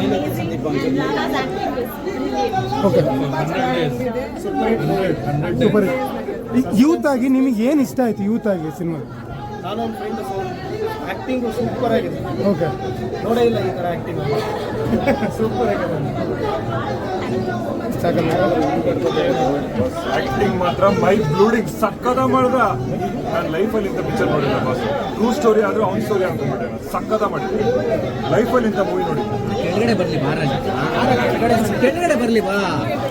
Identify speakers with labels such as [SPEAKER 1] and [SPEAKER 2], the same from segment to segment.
[SPEAKER 1] Okay, super. Youth ಆಗಿ ನಿಮಗೆ ಏನು ಇಷ್ಟ ಆಯ್ತು ಯೂತ್ ಆಗಿ ಸಿನಿಮಾ?
[SPEAKER 2] ನಾನೊಂದು ಫ್ರೆಂಡ್ ಆ್ಯಕ್ಟಿಂಗು ಸೂಪರ್ ಆಗಿದೆ.
[SPEAKER 1] ಓಕೆ,
[SPEAKER 2] ನೋಡೇ ಇಲ್ಲ ಈ ಥರ ಆ್ಯಕ್ಟಿಂಗ್. ಸೂಪರ್ ಆಗಿದೆ.
[SPEAKER 3] ಆಕ್ಟಿಂಗ್ ಮಾತ್ರ ಮೈ ಬ್ಲೂಡಿಂಗ್ ಸಕ್ಕದ ಮಾಡ್ದ. ನಾನು ಲೈಫಲ್ಲಿ ಇಂಥ ಪಿಕ್ಚರ್ ನೋಡಿಲ್ಲ ಬಾಸ್. ಟ್ರೂ ಸ್ಟೋರಿ ಆದರೂ ಅವ್ನ ಸ್ಟೋರಿ ಅನ್ಕೊಂಡ್ಬಿಟ್ಟೆ. ಸಕ್ಕದ ಮಾಡಿದ್ದೆ ಲೈಫಲ್ಲಿ ಇಂಥ ಮೂವಿ ನೋಡಿ.
[SPEAKER 4] ಕೆಳಗಡೆ ಬರಲಿ ಮಹಾರಾಜ, ಕೆಳಗಡೆ ಬರಲಿ ಬಾ.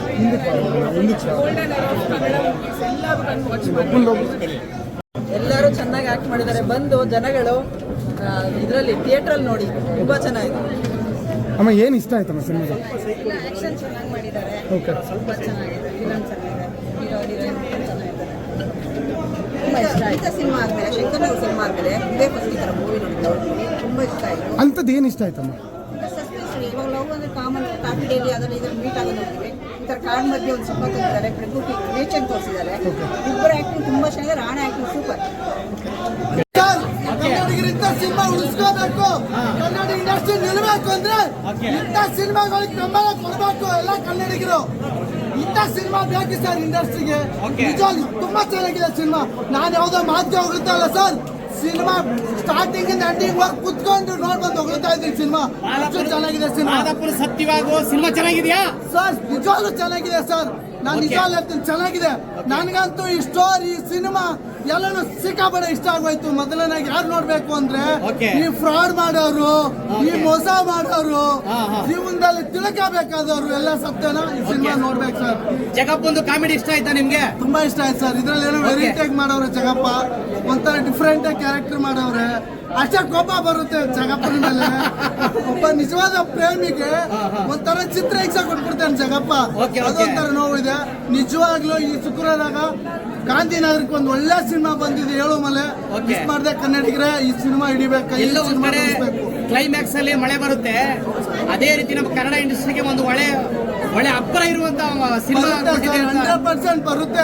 [SPEAKER 5] ಎಲ್ಲರೂ ಚೆನ್ನಾಗಿ ಆಕ್ಟ್ ಮಾಡಿದ್ದಾರೆ. ಬಂದು ಜನಗಳು ಇದರಲ್ಲಿ ಥಿಯೇಟ್ರಲ್ಲಿ ನೋಡಿ, ತುಂಬಾ ಚೆನ್ನಾಗಿದೆ.
[SPEAKER 1] ಅಮ್ಮ ಏನು ಇಷ್ಟ ಆಯ್ತಮ್ಮ ಸಿನಿಮಾ?
[SPEAKER 5] ಆಕ್ಷನ್ ಚೆನ್ನಾಗಿ ಮಾಡಿದ್ದಾರೆ.
[SPEAKER 1] ಓಕೆ,
[SPEAKER 5] ಸ್ವಲ್ಪ ಚೆನ್ನಾಗಿದೆ. ಫಿಲಮ್ ಚೆನ್ನಾಗಿದೆ. ಹೀರೋ ಹೀರೋಯಿನ್ ಚೆನ್ನಾಗಿದ್ದಾರೆ. ತುಂಬ ಇಷ್ಟ ಆಯ್ತು ಸಿನಿಮಾ ಆದಮೇಲೆ, ಶಂಕರ್ ಅವ್ರ ಸಿನಿಮಾ ಆದಮೇಲೆ ಇದೇ ಫಸ್ಟ್ ಈ ಥರ ಮೂವಿ ನೋಡಿದ್ದು. ತುಂಬ ಇಷ್ಟ ಆಯಿತು.
[SPEAKER 1] ಅಂಥದ್ದು ಏನು ಇಷ್ಟ ಆಯ್ತಮ್ಮ?
[SPEAKER 5] ಸಸ್ಪೆನ್ಸ್. ಇವಾಗ ಲವ್ ಅಂದರೆ ಕಾಮನ್ ಕಾಫಿ ಡೈಲಿ ಅದನ್ನು ಇದನ್ನು ಮೀಟ್ ಆಗೋದು ನೋಡ್ತೀವಿ. ಈ ಥರ ಕಾಡ್ ಮಧ್ಯೆ ಒಂದು ಸಿನಿಮಾ ತಂದಿದ್ದಾರೆ. ಪ್ರಕೃತಿ ನೇಚರ್ ತೋರಿಸಿದ್ದಾರೆ. ಇಬ್ಬರ ಆ್ಯಕ್ಟಿಂಗ್ ತುಂಬ ಚೆನ್ನಾಗಿದೆ. Rana acting super.
[SPEAKER 6] ಕನ್ನಡಿಗರಿಂದ ಸಿನಿಮಾ ಉಳಿಸ್ಕೋಬೇಕು. ಕನ್ನಡ ಇಂಡಸ್ಟ್ರಿ ನಿಲ್ಲಬೇಕು ಅಂದ್ರೆ ಇಂಥ ಸಿನಿಮಾಗಳಿಗೆ ಬೆಂಬಲ ಕೊಡಬೇಕು. ಎಲ್ಲ ಕನ್ನಡಿಗರು ಇಂಥ ಸಿನಿಮಾ ಬೇಕು ಸರ್ ಇಂಡಸ್ಟ್ರಿಗೆ. ನಿಜವಾಗ್ಲೂ ತುಂಬಾ ಚೆನ್ನಾಗಿದೆ ಸಿನಿಮಾ. ನಾನು ಯಾವುದೋ ಮಾತಿಗೆ ಹೋಗ್ತಾ ಇಲ್ಲ ಸರ್. ಸಿನಿಮಾ ಸ್ಟಾರ್ಟಿಂಗ್ ಇಂದ ಎಂಡಿಂಗ್ ವರ್ಕ್ ಕುತ್ಕೊಂಡು ನೋಡ್ಬಂದು ಹೋಗ್ತಾ ಇದ್ದೀನಿ. ಸಿನಿಮಾ ಅಷ್ಟು ಚೆನ್ನಾಗಿದೆ. ಸಿನಿಮಾ
[SPEAKER 4] ಸತ್ಯವಾಗುವ ಸಿನಿಮಾ ಚೆನ್ನಾಗಿದೆಯಾ
[SPEAKER 6] ಸರ್? ನಿಜವಾಗ್ಲೂ ಚೆನ್ನಾಗಿದೆ ಸರ್. ನಾನು ನಿಜವಾಗ್ಲೂ ಹೇಳ್ತೀನಿ ಚೆನ್ನಾಗಿದೆ. ನನಗಂತೂ ಈ ಸ್ಟೋರಿ ಸಿನಿಮಾ ಎಲ್ಲಾನು ಸಿಕ್ಕಾಪಟ್ಟೆ ಇಷ್ಟ ಆಗೋಯ್ತು. ಮೊದಲನಾಗಿ ಯಾರು ನೋಡ್ಬೇಕು ಅಂದ್ರೆ ಈ ಫ್ರಾಡ್ ಮಾಡೋರು, ಈ ಮೋಸ ಮಾಡೋರು, ಜೀವನದಲ್ಲಿ ತಿಳ್ಕೋಬೇಕಾದವರು ಎಲ್ಲ ಸತ್ಯನ ಈ ಸಿನಿಮಾ ನೋಡ್ಬೇಕು ಸರ್.
[SPEAKER 4] ಜಗಪ್ಪ ಒಂದು ಕಾಮಿಡಿ ಇಷ್ಟ ಆಯ್ತಾ ನಿಮ್ಗೆ?
[SPEAKER 6] ತುಂಬಾ ಇಷ್ಟ ಆಯ್ತು ಸರ್. ಇದ್ರಲ್ಲಿ ಏನೋ ವೆರೈಟಿಯಾಗಿ ಮಾಡವ್ರೆ ಜಗಪ್ಪ. ಒಂಥರ ಡಿಫ್ರೆಂಟ್ ಆಗಿ ಕ್ಯಾರೆಕ್ಟರ್ ಮಾಡವ್ರೆ. ಅಷ್ಟೇ ಕೋಪ ಬರುತ್ತೆ ಜಗಪ್ಪನ ಮೇಲೆ. ಒಬ್ಬ ನಿಜವಾದ ಪ್ರೇಮಿಗೆ ಒಂಥರ ಚಿತ್ರ ಹಿಂಸೆ ಕೊಟ್ಬಿಡ್ತಾನೆ ಜಗಪ್ಪ. ಅದೊಂಥರ ನೋವಿದೆ ನಿಜವಾಗ್ಲೂ. ಈ ಶುಕ್ರವಾರ ಗಾಂಧಿನಗರಕ್ಕೆ ಒಂದು ಒಳ್ಳೆ ಸಿನಿಮಾ ಬಂದಿದೆ. ಹೇಳು ಮಲೆ ಮಿಸ್ ಮಾಡಿದೆ ಕನ್ನಡಿಗರೇ. ಈ ಸಿನಿಮಾ ಹಿಡಿಬೇಕು.
[SPEAKER 4] ಕ್ಲೈಮ್ಯಾಕ್ಸ್ ಅಲ್ಲಿ ಮಳೆ ಬರುತ್ತೆ. ಅದೇ ರೀತಿ ನಮ್ಮ ಕನ್ನಡ ಇಂಡಸ್ಟ್ರಿಗೆ ಒಂದು ಒಳ್ಳೆ ಅಬ್ಬರ ಇರುವಂತ ಸಿನಿಮಾ
[SPEAKER 6] 100% ಬರುತ್ತೆ.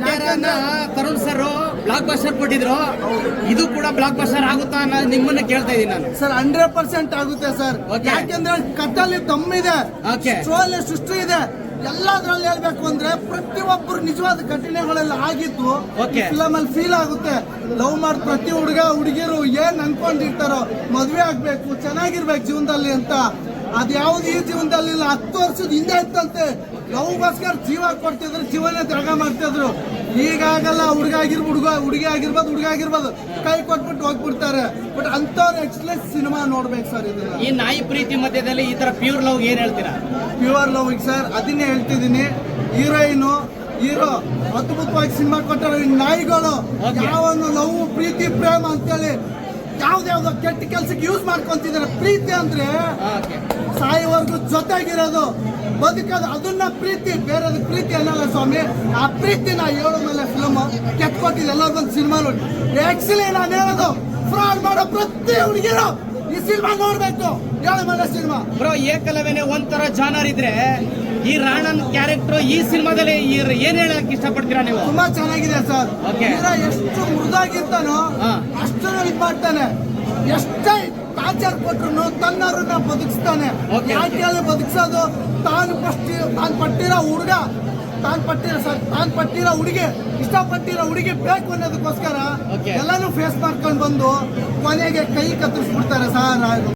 [SPEAKER 4] ತರುಣ್ ಸರ್ ಬ್ಲಾಕ್ ಬಸ್ಟರ್ ಕೊಟ್ಟಿದ್ರು. ಇದು ಕೂಡ ಬ್ಲಾಕ್ ಬಸ್ಟರ್ ಆಗುತ್ತಾ ಅನ್ನೋದು ನಿಮ್ಮನ್ನ ಕೇಳ್ತಾ ಇದ್ದೀನಿ ನಾನು.
[SPEAKER 6] ಸರ್ 100% ಆಗುತ್ತೆ ಸರ್. ಯಾಕೆಂದ್ರೆ ಕಟ್ಟಲ್ಲಿ ತಮ್ಮಿದೆ, ಸ್ಟೋರಿ ಸೃಷ್ಟಿ ಇದೆ. ಎಲ್ಲದ್ರಲ್ಲಿ ಹೇಳ್ಬೇಕು ಅಂದ್ರೆ ಪ್ರತಿಯೊಬ್ಬರು ನಿಜವಾದ ಘಟನೆಗಳೆಲ್ಲ ಆಗಿದ್ದು ಫಿಲಮ್ ಅಲ್ಲಿ ಫೀಲ್ ಆಗುತ್ತೆ. ಲವ್ ಮಾಡಿ ಪ್ರತಿ ಹುಡುಗಿರು ಏನ್ ಅನ್ಕೊಂಡಿರ್ತಾರೋ ಮದ್ವೆ ಆಗ್ಬೇಕು, ಚೆನ್ನಾಗಿರ್ಬೇಕು ಜೀವನದಲ್ಲಿ ಅಂತ. ಅದ್ಯಾವ್ದು ಈ ಜೀವನದಲ್ಲಿ ಇಲ್ಲ. 10 ವರ್ಷದ ಹಿಂದೆ ಇತ್ತಂತೆ. ಲವ್ಗೋಸ್ಕರ ಜೀವ ಕೊಡ್ತಿದ್ರು, ಜೀವನ ತ್ಯಾಗ ಮಾಡ್ತಿದ್ರು. ಈಗಾಗಲ್ಲ. ಹುಡುಗಿ ಆಗಿರ್ಬೋದು ಕೈ ಕೊಟ್ಬಿಟ್ಟು ಹೋಗ್ಬಿಡ್ತಾರೆ. ಬಟ್ ಅಂತವ್ರು ಎಕ್ಸ್ಲೆಸ್ ಸಿನಿಮಾ ನೋಡ್ಬೇಕು ಸರ್. ಇದನ್ನ
[SPEAKER 4] ಈ ನಾಯಿ ಪ್ರೀತಿ ಮಧ್ಯದಲ್ಲಿ ಈ ತರ ಪ್ಯೂರ್ ಲವ್ ಏನ್ ಹೇಳ್ತೀರಾ?
[SPEAKER 6] ಪ್ಯೂರ್ ಲವ್ ಸರ್ ಅದನ್ನೇ ಹೇಳ್ತಿದ್ದೀನಿ. ಹೀರೋಯಿನು ಹೀರೋ ಅದ್ಭುತವಾಗಿ ಸಿನಿಮಾ ಕೊಟ್ಟರು. ಈ ನಾಯಿಗಳು ಯಾವನು ಲವ್ ಪ್ರೀತಿ ಪ್ರೇಮ ಅಂತೇಳಿ ಯಾವ್ದಾವ್ದೋ ಕೆಟ್ಟ ಕೆಲ್ಸಕ್ಕೆ ಯೂಸ್ ಮಾಡ್ಕೊಂತಿದ್ದಾರೆ. ಪ್ರೀತಿ ಅಂದ್ರೆ ಸಾಯೋವರೆಗೂ ಜೊತೆಗಿರೋದು, ಬದುಕೋದು, ಅದನ್ನ ಪ್ರೀತಿ. ಬೇರೆದು ಪ್ರೀತಿ ಅನ್ನಲ್ಲ ಸ್ವಾಮಿ. ಆ ಪ್ರೀತಿನ ಹೇಳೋ ಮೇಲೆ ಫಿಲಮ್ ಕೆತ್ಕೊಟ್ಟಿದ್ದು. ಎಲ್ಲರೂ ಬಂದು ಸಿನಿಮಾ ನೋಡಿ. ಆಕ್ಚುಲಿ ನಾನು ಹೇಳೋದು ಫ್ರಾಡ್ ಮಾಡೋ ಪ್ರತಿ ಹುಡುಗಿರು ಈ ಸಿನಿಮಾ ನೋಡ್ಬೇಕು. ಹೇಳೋ ಮೇಲೆ ಸಿನಿಮಾ
[SPEAKER 4] ಬ್ರೋ ಏಕಲವೇನೆ ಒಂಥರ ಜಾನರ್ ಇದ್ರೆ ಈ ರಾಣನ್ ಕ್ಯಾರೆಕ್ಟರ್ ಈ ಸಿನಿಮಾದಲ್ಲಿ ಏನ್ ಹೇಳಕ್ ಇಷ್ಟಪಡ್ತೀರಾ ನೀವು?
[SPEAKER 6] ತುಂಬಾ ಚೆನ್ನಾಗಿದೆ ಸರ್. ಎಷ್ಟು ಮೃದಾಗಿರ್ತಾನೋ ಅಷ್ಟು ಇದ್ ಮಾಡ್ತಾನೆ. ಎಷ್ಟೇ ಟಾರ್ಚರ್ ಕೊಟ್ರು ತನ್ನವ್ರನ್ನ ಬದುಕಿಸ್ತಾನೆ. ಯಾಕೆ ಬದುಕಿಸೋದು? ತಾನು ಪಟ್ಟಿರೋ ಹುಡುಗ, ತಾನು ಪಟ್ಟಿರೋ ಹುಡುಗಿ, ಇಷ್ಟಪಟ್ಟಿರೋ ಹುಡುಗಿ ಬೇಕು ಅನ್ನೋದಕ್ಕೋಸ್ಕರ ಎಲ್ಲಾನು ಫೇಸ್ ಮಾಡ್ಕೊಂಡು ಬಂದು ಕೊನೆಗೆ ಕೈ ಕತ್ತರಿಸ್ಬಿಡ್ತಾರೆ ಸರ್.